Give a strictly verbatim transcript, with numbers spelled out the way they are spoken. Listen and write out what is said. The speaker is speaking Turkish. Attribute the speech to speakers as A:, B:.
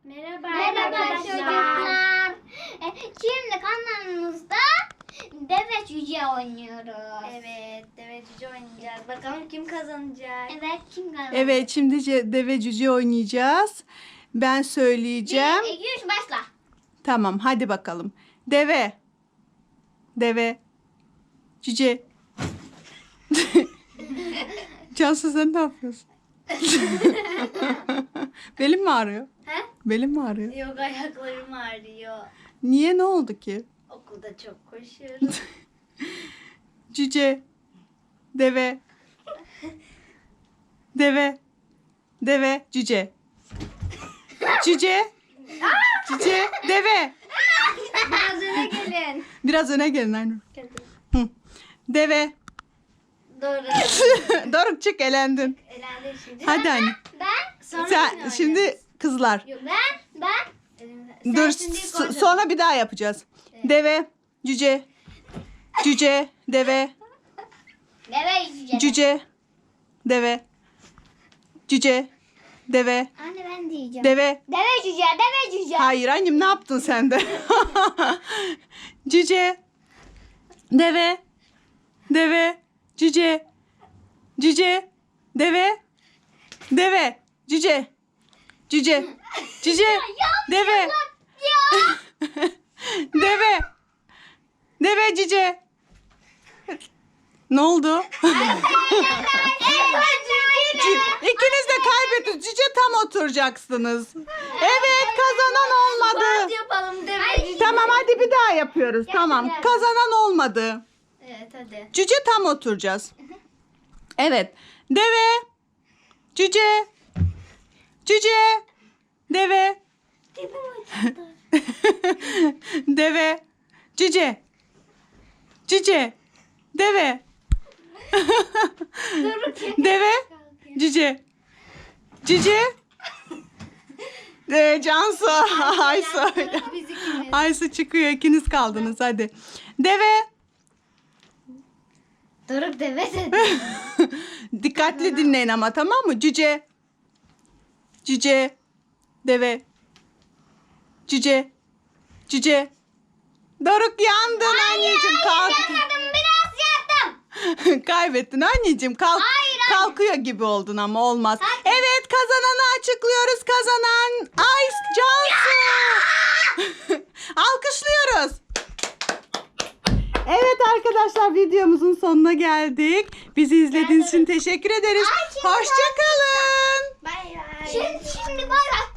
A: Merhaba,
B: Merhaba
A: arkadaşlar.
B: çocuklar. E, Şimdi kanalımızda deve cüce oynuyoruz.
A: Evet, deve cüce oynayacağız. Bakalım kim kazanacak?
B: Evet, kim kazandı?
C: Evet, şimdi ce- deve cüce oynayacağız. Ben söyleyeceğim.
B: Bir, iki, üç, başla.
C: Tamam, hadi bakalım. Deve. Deve. Cüce. Cansu, sen ne yapıyorsun? Belim mi ağrıyor?
A: He?
C: Belim mi ağrıyor?
A: Yok, ayaklarım ağrıyor.
C: Niye, ne oldu ki?
A: Okulda çok koşuyorum.
C: Cüce. Deve. Deve. Deve. Cüce. Cüce. Cüce. Deve.
A: Biraz öne gelin.
C: Biraz öne gelin Aynur. Hı. Deve.
A: Doğru.
C: Doruk, çık, elendin.
A: Elendi şimdi.
C: Hadi anne.
B: Ben,
A: Sonra
C: Sen
A: yine
C: şimdi
A: oynarız.
C: kızlar.
A: Yok,
B: ben, ben.
A: elimde- Sen
C: Dur,
A: şimdi
C: s-
A: kontrol-
C: sonra bir daha yapacağız. Deve. Cüce. Cüce. Deve.
B: Deve cüce.
C: Cüce. Deve. Cüce. Deve.
B: Anne ben diyeceğim.
C: Deve.
B: Deve cüce, deve cüce.
C: Hayır annem, ne yaptın sen de? Cüce. Deve. Deve. Cüce. Cüce. Deve. Deve. Cüce. Cüce. Cüce. Deve. Deve. Deve cüce. Ne oldu? Cü- İkiniz de kaybettiniz. Cüce tam oturacaksınız. Evet, kazanan olmadı.
A: Hadi yapalım deve cüce.
C: Tamam, hadi bir daha yapıyoruz. Tamam.
A: gel.
C: Kazanan olmadı.
A: Evet, hadi.
C: Cüce tam oturacağız. Evet. Deve. Cüce. Cüce. Deve. Deve. Cüce. Cüce. Deve. Deve. Cüce. Cüce. Ee, Cansu. Aysu.
A: Biz ikimiz.
C: Aysu çıkıyor. İkiniz kaldınız. Hadi. Deve.
A: Doruk deve dedi.
C: Dikkatli dinleyin ama, tamam mı? Cüce. Cüce. Deve. Cüce. Cüce. Doruk, yandın anneciğim. Kalk.
B: Yapmadım, biraz yaptım.
C: Kaybettin anneciğim. Kalk.
B: Hayır, anne.
C: Kalkıyor gibi oldun ama olmaz. Evet, kazananı açıklıyoruz. Kazanan Ice Cansu. Alkışlıyoruz. Evet arkadaşlar, videomuzun sonuna geldik. Bizi izlediğiniz için teşekkür ederiz. Hoşça kalın.
A: Bay bay.
B: Şimdi, şimdi bay bay.